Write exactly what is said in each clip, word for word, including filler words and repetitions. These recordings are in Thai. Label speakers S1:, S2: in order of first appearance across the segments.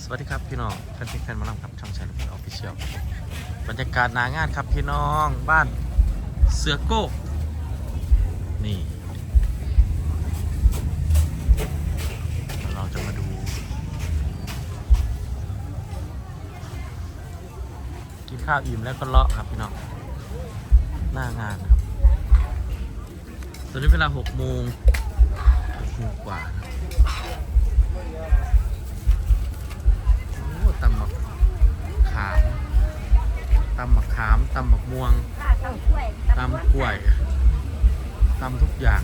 S1: วัสดีครับพี่น้องแฟนเพลงแฟนหมอลำครับช่องชายลูกออฟฟิเชียลบรรยากาศหนางานครับพี่น้องบ้านเสือโก้นี่เราจะมาดูกินข้าวอิ่มแล้วก็เลาะครับพี่น้องหน้างานครับตอนนี้เวลาหกโมงกว่าตำมะขามตำมะขามตำมะม่วงตำกล้วยตำทุกอย่าง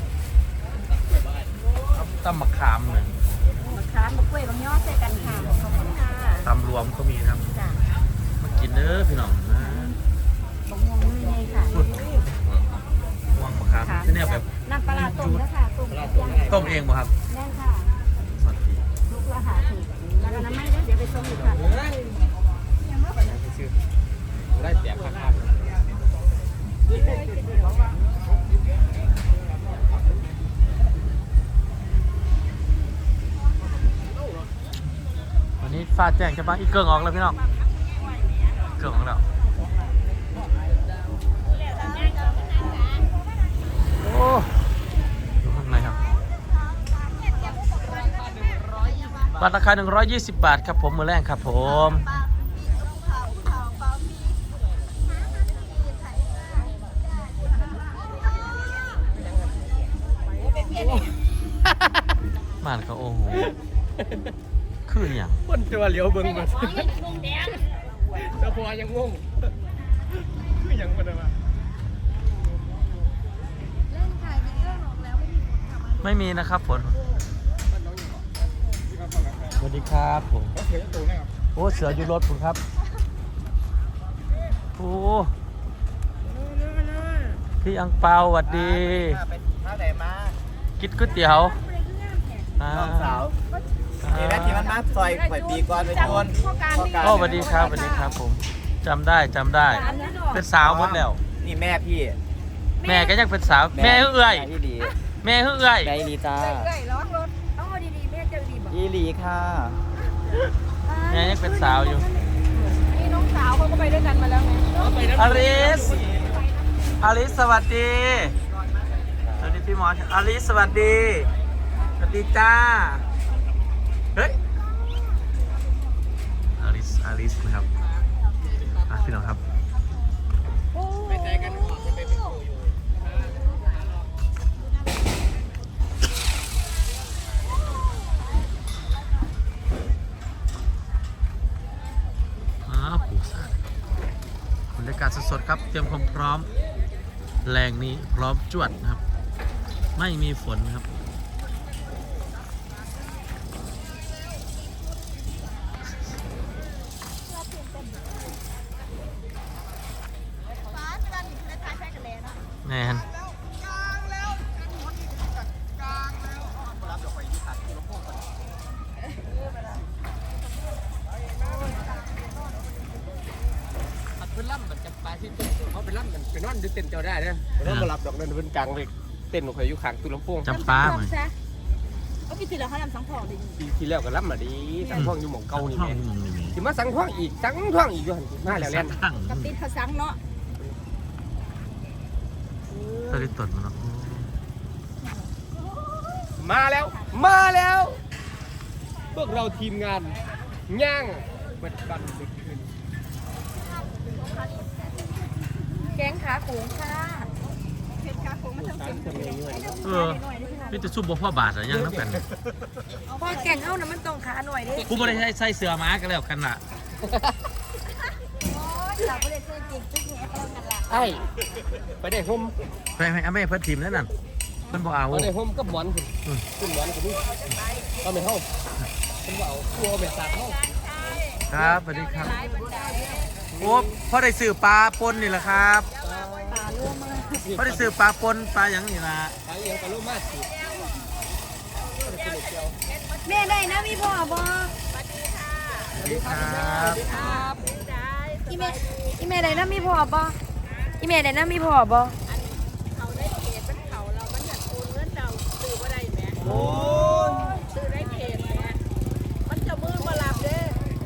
S1: ตำมะขามเลย
S2: มะขามมะกล้วยมะย่อใส่กันค่ะขอบคุณค่ะ
S1: ตำรวมก็มีครับมากินเด้อพี่น้องนะ
S2: มะม่วงนี่ไงค่ะ
S1: ม่วงมะขามที่นี่แบบ
S2: น้ำปลาต้มนะคะต้ม
S1: ต้มเองป่ะครับ
S2: แน่ค่ะลูกละหาถูกแล้วน้ำไม่ได้เดี๋ยวไปส่งอีกค่ะ
S1: ได้แจกครับวันนี้ฟ้าแจ้งจะมาอีกเกิงออกแล้วพี่น้องเกิงออกแล้วโอ้ดูข้างในครับบัตรราคาหนึ่งร้อยยี่สิบบาทครับผมมือแรกครับผมมานเขาโอ้โหคืออย่าง
S3: คนตัวเหลียวเบิ้งมาแต่พอยังงงคืออย่างมันอะไร
S1: ไม่มีนะครับฝนสวัสดีครับผมโอ้เสืออยู่รถผมครับโอ้พี่อังเปาสวัสดี
S3: ท่าไหนมา
S1: กินก๋วยเตี๋ยว
S3: น้องสาวนี่แหละที่มันมาซอยปล่อยปีก่อนไปชน
S1: โอ้สวัสดีครับสวัสดีครับผมจำได้จำได้เป็นสาวหมดแล้ว
S3: นี่แม่พี่
S1: แม่ก็ยังเป็นสาวแม่เอื้อยแม่เอื้อย
S3: แม่ลีตา
S2: เอื้อยร้องรถต้องเอาดีๆแม่เจอดีบอก
S3: อีหลีค่ะ
S1: แม่ยังเป็นสาวอยู่
S2: นี่น้องสาวเขาก็ไปด้วยกันมาแล้วไง
S1: อลิสอลิสสวัสดีสวัสดีพี่หมออลิสสวัสดีสวัสดีจ้าเฮ้ยอลิสอลิสนะครับพี่น้องครับ
S3: ไปใจกันออกจะไปเป็นครูอยู่
S1: อ้าวปูสานบรรยากาศสดๆครับเตรียมความพร้อมแรงนี้พร้อมจวดนะครับไม่มีฝนครับแน่น
S3: เป็นล่ำมันจะปลาที่ต้นเขาเป็นล่ำมันเป็นนอนดึกเต้นเจ้าได้เนี่ยเป็นนอนมาหลับดอกนั่นเป็นกลางเลยเต้นของใครอยู่ข้างตู้ลำโพง
S1: จำป้าไหม
S2: ก็พี่ติดแล้วเขาทำสังทองดี
S3: ปีที่แล้วก็ล่ำมาดีสังท่องอยู่หม่องเก่านี่แม่ที่มาสังท่องอีกสังท่องอีกอยู่หันมาแล้วเล่น
S2: กับติดเขาสังเนาะ
S1: ตอนนี้ตดมันเนาะ
S3: มาแล้วมาแล้วพวกเราทีมงานย่างเปิดบันดึกคืน
S2: แกงขาโขงค่ะเผ็ดขาโขงมันทำเค็ม
S1: เออพี่จะซุ่มบ่พ่อบาทหรือยังน้ำกัน
S2: พอแกงเข้านะมันต้องขาหน่อยดิ
S1: กูไม่ได้ใส่เสื้อม้ากันแล้วกันล่ะ
S2: เราไม่ได้เสื้อจริงจุ๊กแหนกันละ
S3: ไอ้ไปได้ห่ม
S1: ไปไปเอาไม่เพิ่นทีมแล้วนั่นเพิ่นบ่เอา
S3: ไปได้ห่มกับหมอนคุณคุณหมอนคุณก็ไม่เข้าคุณว่าเอากลัวแบบสาดเข้า
S1: ครับสวัสดีครับโอ้พ่อได้ซื้อปลาปนนี่แหละครับพ่อได้ซื้อปลาปนปลาอย่างนี้นะ
S3: ปลาเลี้ยงปลาลูกมาสิ
S2: แม่ได้นะมีพ่อบ่
S1: สวัสดีครับ
S2: อีเมอีเมได้นะมีพ่อบ่อีเมได้นะมีพ่อบ่เขาได้เขตเป็นเขาเรามันอยากโอนเงินเราซื้อว่าได้แม่โอ้ซื้อได้เขตแม่มันจะมือมาหลับเด้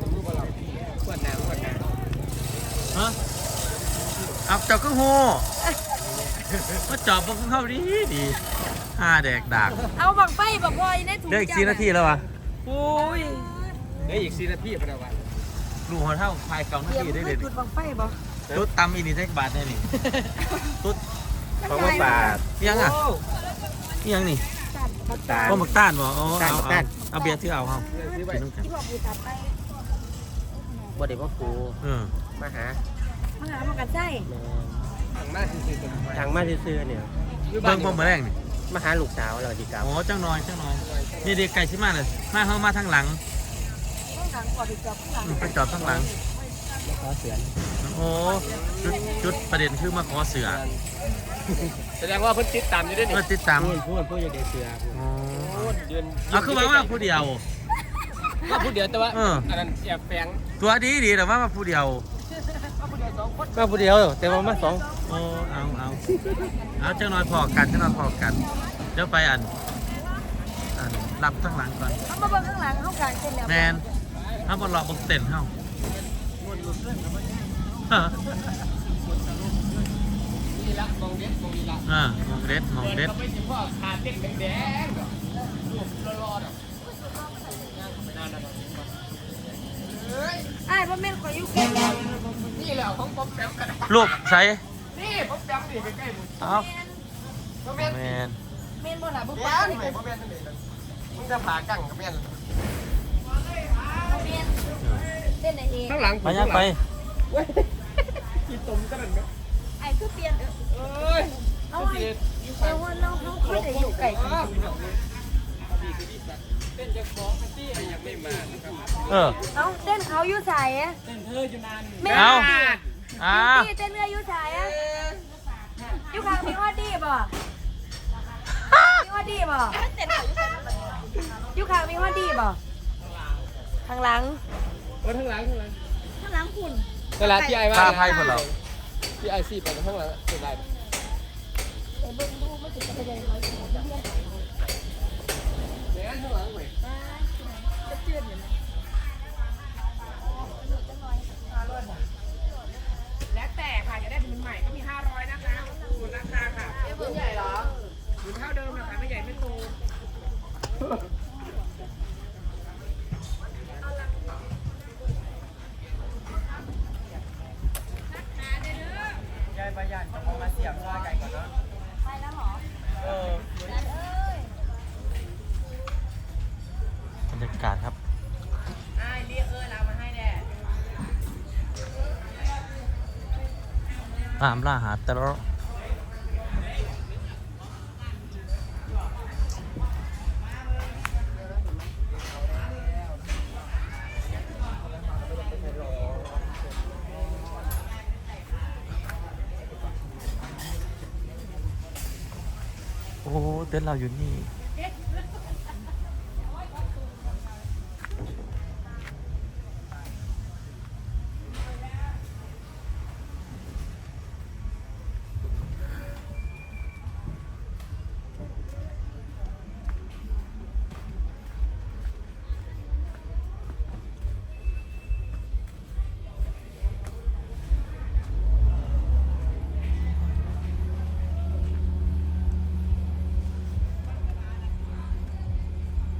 S1: เอาเจ้าก็โหมาจอบพวกเข้าดีดีห้าแดกดาก
S2: เอาบังไฟบักพลอยในถุง
S1: เด็กสี่นาทีแล้ววะโอ้ย
S3: เดี๋ยวอีกสี่นาทีพอดีวัน
S1: ลูกหัวเท่าพายเก่านา
S2: เตรียม
S1: ทีได้
S2: ให้
S1: เด็ด
S2: จุดบังไฟบ่
S1: ตุ๊ดตำอีนี่ได้บาทแน่นี่ตุ๊ด
S3: เพราะว่าบาท
S1: ยังอ่ะยังนี่
S2: จัดบัก
S3: ตา
S1: ก็หมักต้านบ่เอา
S3: ต้าน
S1: เอา
S3: หมักต้าน
S1: เอาเบียร์ที่เอาเอา
S3: ซื้อไป
S1: กินน้ำกัน
S2: ที่บอกปูตัดไป
S3: บ่ได้พ่อครู
S1: เออ
S3: มาหา
S2: มาหามากันใช่
S3: ทางมาซื่อๆทางมาซื่อๆเนี่ย
S1: เบิ่งบ่มาแรงนี่
S3: มาหาลูกสาวเราดีครับ
S1: โอ้จังน้อยจังน้อยนี่เด็กไก่ชิมาเลยมาเข้ามาทางหลัง
S2: ข้างหลังก่อนถึงจับข้างหลัง
S1: อืมไปจอดทางหลัง
S3: ขอเสือน
S1: โอ้จุดจุดประเด็นคือมาขอเสือ
S3: แสดงว่าเพิ่นติดตามอยู่ด้วยนี่
S1: เพื่อติดตาม
S3: พูดพูดพูดอย่าเด็กเสือ
S1: อ๋อ
S3: ยืน
S1: เอาคือว่าว่าผู้เดียว
S3: ว่าพูดเดียวแต่ว่า
S1: เออ
S3: อันนั้นแอบแฝง
S1: ตัวดีดีแต่ว่ามาผู้เดียว
S3: มาพูดเดียวแต่ว่ามาสอง
S1: โอ้เอาเอาเอาจังน้อยพอกันจังน้อยพอกันเดี๋ยวไปอันอันรับทางหลังก่อน
S2: เอามาเบิ่งข้างหลังข้างกลางเส้นแล้ว
S1: แมนถ้าบอลรอบนเต็นท์เฮาเออ
S3: นี่ละมองเด็ดมองนี่ละ
S1: เออมองเด็ดมองเด็ด
S3: เราไปสิพ่อขาดเด็กแดงๆรูปรอๆอ่ะไม่นานนะ
S2: ไอ้พ่อแม่ขออยู่ใกล้
S3: นี่แหละของป๊อปแป๊มกัน
S1: รูปใส่
S3: นี่ป๊อปแป๊มนี่ใกล้ๆมึง
S1: เอา
S3: ป๊อปแป๊ม
S1: แมน
S2: เมนบ่ล่ะบุก
S3: แป๊
S2: ป้าม นี่
S3: ไหนป๊อปแป๊มนี่มึงจะผ่ากั้งกับแม่น
S2: เมนเส้นไหนเอง
S3: ข้างหลัง
S1: ไปยังไป
S3: กินตุ่มกันนั่นไหม
S2: ไอ้คือเปลี่ยน
S3: เอ้ย
S2: เอาไว้เอาว่าเราเขาเขาจะอยู่ไกลกัน
S3: เต้นจะฟ้องที่ยังไม่มานะครับ
S1: เออ
S2: เอาเต้นเขาอยู่สายอะ
S3: เต้นเธออยู่นาน
S2: แม่
S1: เอา
S2: พี่
S1: อ้า
S2: พี่เต้นเรืออยู่สายอะอยู่ข้างมีฮอดดีบ่มีฮอดดีบ่อยู่ข้างมีฮอดดีบ่ข้างหลัง
S3: เออข้างหลังข้างหลัง
S2: ข้างหลังคุณ
S3: เวลาที่ไอ้ว่า
S1: ตาไพ่คนเรา
S3: ที่ไอซีไปข้างหลังเป็นไร
S2: ไปเบิ่งดูไม่ถึงจะไปยังไงเขาเรียน
S3: เดี๋ยวข้างหลังหน่อย
S2: จะเจือนอยู่นะ
S3: แล้วแต่ค่ะจะได้เป็นใหม่ก็มีห้าร้อยนะคะคูณราคาค่ะเบอร์ใหญ่เหรอหรือเท่าเดิมนะคะไม่ใหญ่ไม่โตยายประหยัดจะมาเสียบว่าไก่ก่อนเนาะ
S2: ไปแล้วเหรอ
S3: เออ
S2: นั่นเอ้ย
S1: บรรยากาศครับ
S3: ไอ้เรียกเออเรามาให้แน่
S1: ตามล่าหาแต่ละโอ้เต้นเราอยู่นี่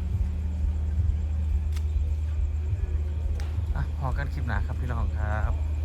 S1: อ่ะพอกันคลิปหนาครับพี่น้องครับ